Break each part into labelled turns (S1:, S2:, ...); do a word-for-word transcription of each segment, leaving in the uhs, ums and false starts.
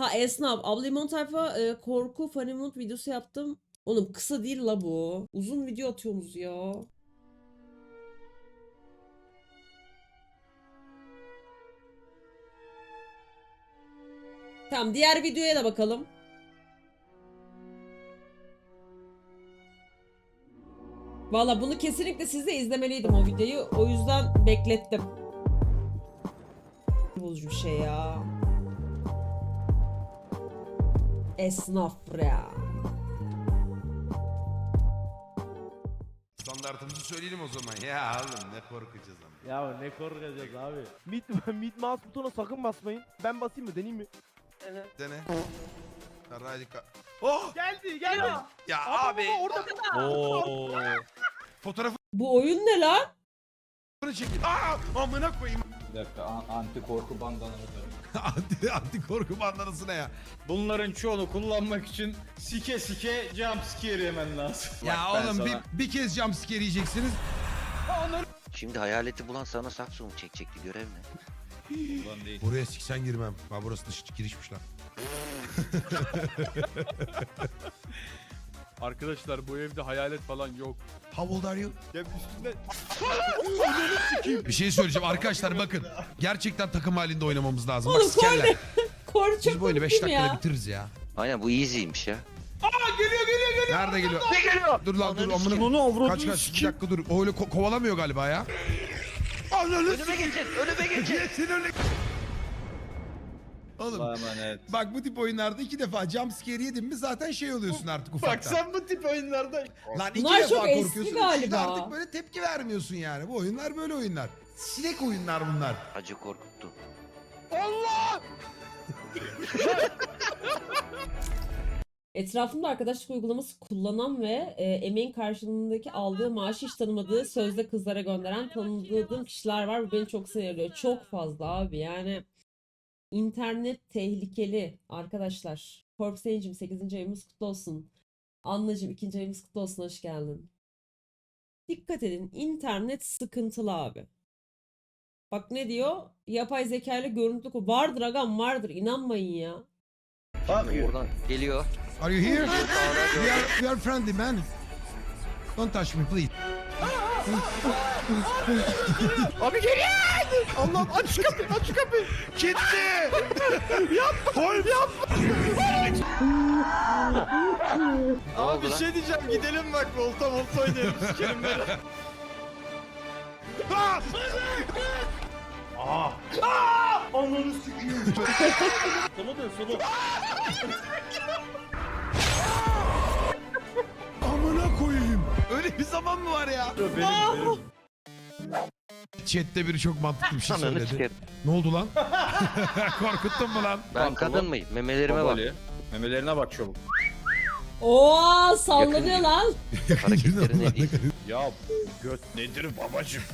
S1: Ha esnaf. Abla limon tayfa e, korku funny mood videosu yaptım. Oğlum kısa değil la bu. Uzun video atıyorsunuz ya. Tamam diğer videoya da bakalım. Valla bunu kesinlikle siz de izlemeliydim o videoyu. O yüzden beklettim. Bozucu bir şey ya. Esnaf ya.
S2: Standartımızı söyleyelim o zaman. Ya oğlum ne korkacağız ama.
S3: Ya ne korkacağız abi. Mid, mid mouse butona sakın basmayın. Ben basayım mı, deneyeyim mi?
S2: Dene. Radika. Oh!
S3: Geldi geldi.
S2: Ya, ya
S3: Abi,
S2: abi.
S3: orada.
S4: Oo.
S2: Fotoğrafını
S1: Bu oyun ne lan?
S2: çekin. Aa! Amına koyayım.
S5: Bir dakika, an- anti korku bandanaları.
S2: anti, anti korku bandanası ne ya?
S4: Bunların çoğunu kullanmak için sike sike jump scare yemen lazım.
S2: Ya
S4: Bak ben
S2: oğlum
S4: sana-
S2: bir, bir kez jumpscare yiyeceksiniz.
S6: Şimdi hayaleti bulan sana sakso mu çekecekti, görev ne?
S4: Ulan değil.
S2: Buraya siksen girmem. Bak burası dış girişmiş lan.
S7: Arkadaşlar bu evde hayalet falan yok.
S2: How old are you?
S7: Ya üstünde
S2: Bir şey söyleyeceğim arkadaşlar bakın. Gerçekten takım halinde oynamamız lazım. Bak
S1: Oğlum
S2: sikerler.
S1: Kor
S2: Biz
S1: çok
S2: bu oyunu beş
S1: korktum
S2: dakikada
S1: ya.
S2: bitiririz ya.
S6: Aynen bu easy'ymiş ya.
S2: Nerede geliyor? Ne geliyor? Dur lan dur amına. Kaç kaç bir dakika dur. O öyle ko- kovalamıyor galiba ya.
S6: Önüme geçin, önüme geçin.
S2: Geçin öyle. Oğlum
S4: Allah'a emanet.
S2: bak bu tip oyunlarda iki defa jumpscare yedin mi zaten şey oluyorsun artık
S4: Bak
S2: ufaktan.
S4: sen bu tip oyunlarda
S2: Lan iki
S1: Bunlar
S2: defa
S1: çok eski
S2: korkuyorsun.
S1: galiba.
S2: Üçüncüde artık böyle tepki vermiyorsun yani. Bu oyunlar böyle oyunlar. Sinek oyunlar bunlar.
S6: Acı korkuttu.
S1: Etrafımda arkadaşlık uygulaması kullanan ve e, emeğin karşılığındaki aldığı maaşı hiç tanımadığı sözde kızlara gönderen tanıdığım kişiler var. Bu beni çok sinir ediyor. Çok fazla abi yani. İnternet tehlikeli arkadaşlar. Korpseyicim sekizinci ayımız kutlu olsun. Annacığım ikinci ayımız kutlu olsun, hoş geldin. Dikkat edin, internet sıkıntılı abi. Bak ne diyor? Yapay zeka ile görüntülü ko- vardır agam vardır, inanmayın ya.
S6: Oradan geliyor.
S2: Are you here? we, are, we are friendly man. Don't touch me please.
S3: Abi geliyor. Allah'ım aç şu kapıyı, aç şu kapıyı.
S2: Gitti.
S3: Koy yap.
S4: Abi bir
S6: lan?
S4: şey diyeceğim, gidelim bak volta volta oynayalım sikerim böyle.
S3: Ananı sikeyim. Sola dön sola.
S2: Amına koyayım. Öyle bir zaman mı var ya?
S4: Benim benim.
S2: Chat'te biri çok mantıklı bir şey
S6: Ananı
S2: söyledi.
S6: sikerim.
S2: Ne oldu lan? Korkuttun mu lan?
S6: Ben kadın mıyım? Memelerime bak.
S4: Babali. Memelerine bak çabuk.
S1: Oo sallanıyor lan.
S6: Hareketleri ne değil.
S4: Ya göt nedir babacım?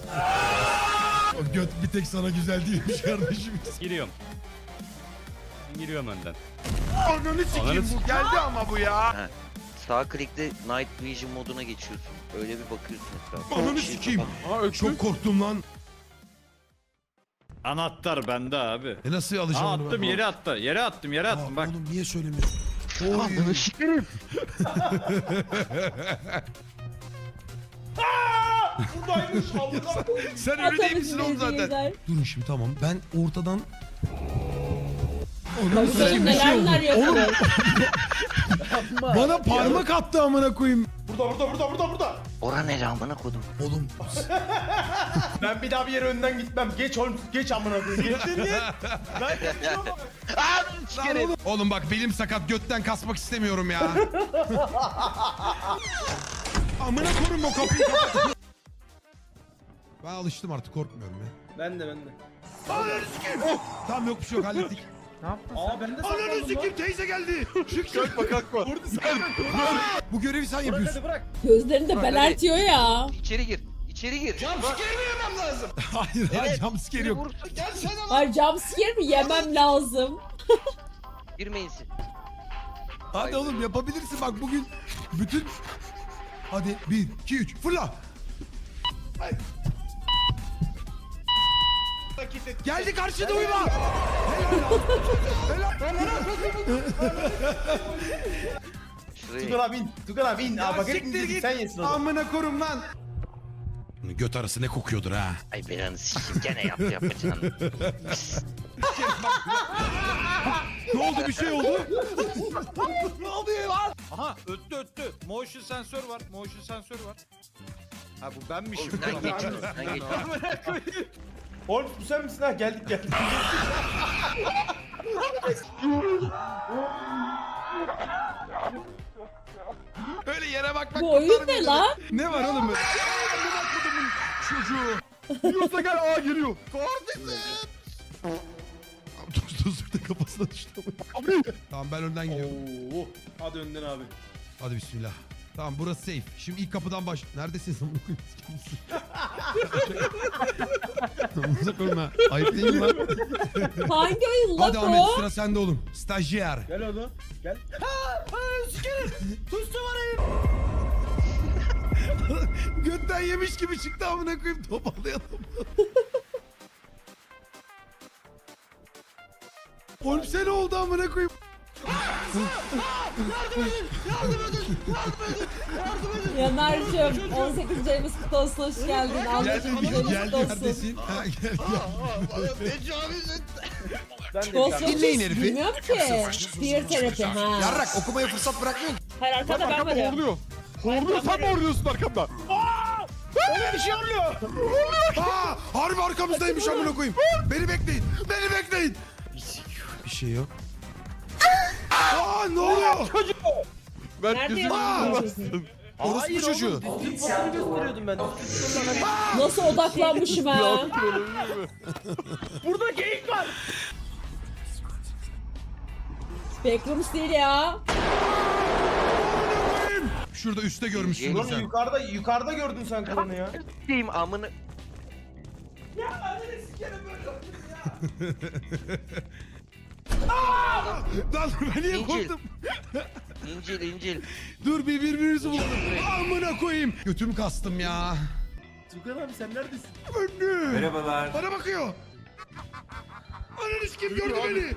S2: O göt bir tek sana güzel değilmiş kardeşim.
S7: giriyorum. Giriyorum önden.
S2: Ananı sikeyim
S7: Ananı
S2: bu geldi ama bu ya.
S6: Sağ klikle Night Vision moduna geçiyorsun. Öyle bir bakıyorsun etrafa.
S2: Ananı
S6: Bir şey
S2: sikeyim.
S6: kapat-
S7: Aa öksür.
S2: Çok korktum lan.
S4: Anahtar bende abi.
S2: E nasıl alacağım
S4: Aa,
S2: onu
S4: attım
S2: ben?
S4: yere attı. Yere attım yere
S2: Aa,
S4: attım bak.
S2: Oğlum niye söylemiyorsun? Oy.
S3: Buradaymış Allah.
S2: Sen öyle değil misin oğlum zaten?
S1: Izleyiciler.
S2: Durun şimdi tamam. Ben ortadan... Ananı
S1: Bakalım
S2: sikeyim bir şey
S1: neler
S2: oldu.
S1: neler
S2: Oğlum
S1: yapıyor.
S2: bana parmak attı amına koyayım.
S3: Burada burada burada burada burada.
S6: Ora ne lan bana kodum.
S2: Oğlum
S3: Ben bir daha bir yere önden gitmem. Geç oğlum, geç amına koyayım. Geç git. Ben geçiyorum.
S2: lan oğlum. Oğlum bak belim sakat götten kasmak istemiyorum ya. Amına koyayım o kapıyı kapat. Ben alıştım artık korkmuyorum ya.
S3: Ben de ben de.
S2: Tamam yok bir şey yok hallettik.
S3: Aa ben de
S2: Ananı
S3: saklandım lan.
S2: sikeyim teyze geldi. Şık şık.
S4: Kalkma kalkma.
S2: Bu görevi sen
S3: Bırak
S2: yapıyorsun.
S3: hadi bırak.
S1: Gözlerini de belertiyor ya.
S6: İçeri gir. İçeri gir.
S2: Hayır hayır jumpscare yok.
S6: Vurursun.
S1: Ay jumpscare mi yemem lazım.
S6: Girmeyin siz.
S2: Hadi oğlum yapabilirsin bak bugün bütün... Hadi bir, iki, üç fırla. Ay. Geldi karşıda uyuma. Helal. Helal.
S6: Şuraya.
S3: Tugan abi in. Tugan abi in. Aa, bak herif sen yesin onu.
S2: Amına korum lan. Göt arası ne kokuyordur ha.
S6: Ay belanı sikeyim gene yaptı yapacağını.
S2: Ne oldu bir şey oldu?
S4: Aha öttü öttü. Motion sensör var. Motion sensör var. Ha bu benmişim.
S6: Oğlum sen geçiyorsun sen geçiyorsun.
S3: Oğlum bu sen misin ha? Geldik geldik.
S2: Öyle yere bak bak.
S1: Bu oyun ne lan?
S2: Ne var oğlum? Amına kodumun çocuğu. Yiyorsa gel A giriyor. Tuz tuzluk da kafasına düştü. Tamam ben önden gidiyorum.
S3: Oo. Hadi önden abi.
S2: Hadi bismillah. Tamam burası safe. Şimdi ilk kapıdan baş... Neredesiniz amına koyayım? Amına koyayım ha. Ayıp değil mi lan?
S1: Hangi oyun
S2: Hadi
S1: lan
S2: Ahmet
S1: o?
S2: sıra sende oğlum. Stajyer.
S3: Gel oğlum. Gel.
S2: Götten yemiş gibi çıktı amına koyayım. Toparlayalım. Oğlum sen oldu amına koyayım.
S1: Yanar'cığım on sekiz ayımız kutlu olsun, hoş geldin. Almacığım
S2: Gel,
S1: güzelimiz
S2: gel
S1: kutlu olsun.
S2: neredesin? Ha, gel gel.
S3: Ben de
S1: Ghost
S3: yapacağım.
S2: Dinleyin
S1: Watchers
S2: herifi.
S1: bilmiyorum ki. Peer terapi ha.
S2: Yarrak okumaya fırsat bırakmıyor.
S1: Hayır arkada ben varım.
S7: Horluyor. Horluyor sen mi horluyorsun arkamda?
S3: Öyle bir şey oluyor.
S2: Aa, harbi arkamızdaymış amına koyayım. Beni bekleyin. Beni bekleyin. Bir şey yok. Aa ne oluyor?
S7: Ben
S1: Nerede
S7: gözümü
S1: yaşıyorsun?
S2: Orospu çocuğu.
S3: Düzgün fotoğrafı gösteriyordum ben.
S1: Nasıl odaklanmışım ha?
S3: Burada geyik var.
S1: Backrooms değil ya.
S2: Şurada üstte görmüşsündür
S3: Lan
S2: sen.
S3: yukarıda yukarıda gördün sen kadını ya.
S6: Diyeyim amını.
S2: Lan ben niye
S6: İncil.
S2: korktum?
S6: İncil incil.
S2: Dur bir birbirimizi bulalım. Amına koyayım. Götümü kastım ya.
S3: Tugan abi sen neredesin?
S2: Önlü. Merhabalar. Bana bakıyor. Ananı kim gördü beni?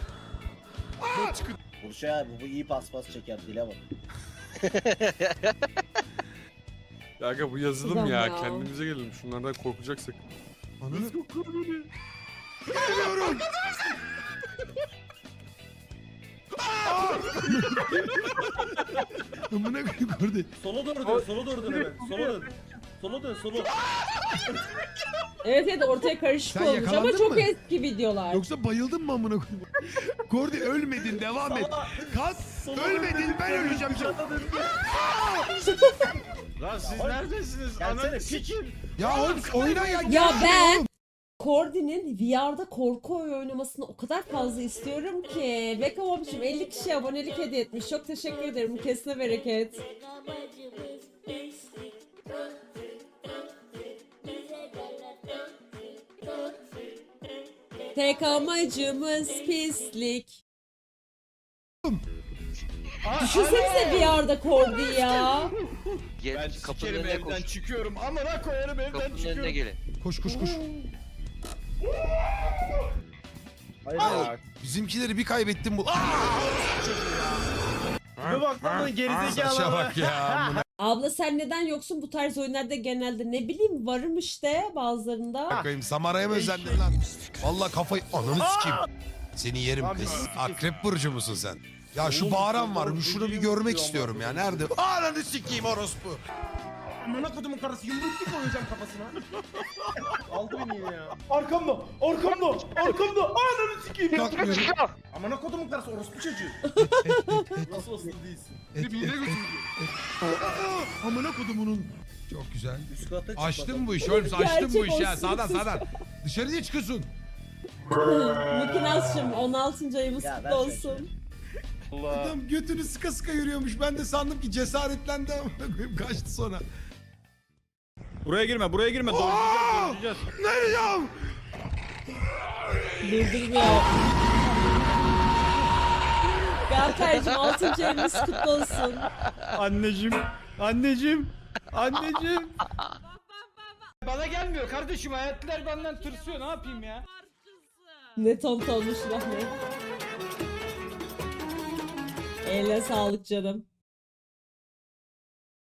S8: Burçay abi bu iyi paspas çeker dile bak.
S7: Kanka bu yazılım
S1: Ulan
S7: ya.
S1: ya.
S7: Kendimize gelelim. Şunlardan korkacaksak.
S2: Ananı. Geliyorum. Amına koyayım gördü.
S3: Sola doğru dön, sola doğru dön hemen. Sola dön. Sola dön, sola.
S1: Evet evet ortaya karışık
S2: Sen
S1: olmuş ama
S2: yakalandın
S1: çok
S2: mı?
S1: eski videolar.
S2: Yoksa bayıldın mı amına koyayım? Gordi ölmedin devam et. Kas ölmedin ben öleceğim şimdi.
S4: Lan siz neredesiniz? Ananı sikim.
S2: Ya oğlum oyna ya.
S1: Ya ben Kordi'nin V R'da korku oyunu oynamasını o kadar fazla istiyorum ki. Beka Bob'cum elli kişi abonelik hediye etmiş. Çok teşekkür ederim. Kesine bereket. Tek amacımız pislik. Düşünsenize V R'da Kordi ya.
S6: Gel
S4: Ben
S6: kapının
S4: sikerim
S6: önüne
S4: evden
S6: koş.
S4: çıkıyorum. Amına koyarım evden
S6: Kapının önüne
S4: çıkıyorum.
S6: gelin.
S2: Koş koş koş.
S8: Hayır hayır.
S2: Bizimkileri bir kaybettim bu.
S3: Bir bak lan
S2: Saça
S3: gerizekalı.
S2: bak ya. amına
S1: Abla sen neden yoksun bu tarz oyunlarda genelde? Ne bileyim varım işte bazılarında.
S2: koyayım. Samara'ya mı özendin lan? Vallahi kafayı ananı sikeyim. Seni yerim kız. Akrep burcu musun sen? Ya şu bağıran var. Şunu bir görmek istiyorum ya. Nerede? Ananı sikeyim orospu.
S3: Amına kodumun karısı yumruk koyacağım kafasına. Aldı beni yine ya. Arkamda, arkamda, arkamda. Ananı sikeyim.
S2: Kalkmıyorum.
S3: Amına kodumun karısı orospu çocuğu. Nasıl asıl değilsin?
S2: Et, et, et, et. Aa, amına kodumunun. Çok güzel.
S8: Üst kata çık
S2: Açtın
S8: bakalım.
S2: bu işi oğlum. Açtın bu
S1: Gerçek
S2: işi ha.
S1: olsun.
S2: Sağdan sağdan. Dışarı niye çıkıyorsun?
S1: Mikinas'cığım on altıncı ayımız
S8: Ya,
S1: kutlu
S8: ver
S1: olsun.
S2: Adam götünü sıka sıka yürüyormuş. Ben de sandım ki cesaretlendi amına koyayım. Kaçtı sonra.
S4: Buraya girme, buraya girme.
S2: Aa!
S4: Dojlayacağız, dojlayacağız.
S2: Nereye?
S1: Durdurmuyor. Berkay'cığım altıncı ayımız kutlu olsun.
S4: Anneciğim, anneciğim, anneciğim. Bana gelmiyor kardeşim. Hayatlar benden tırsıyor. Ne yapayım ya?
S1: Ne ton olmuş Rahmi. Eline sağlık canım.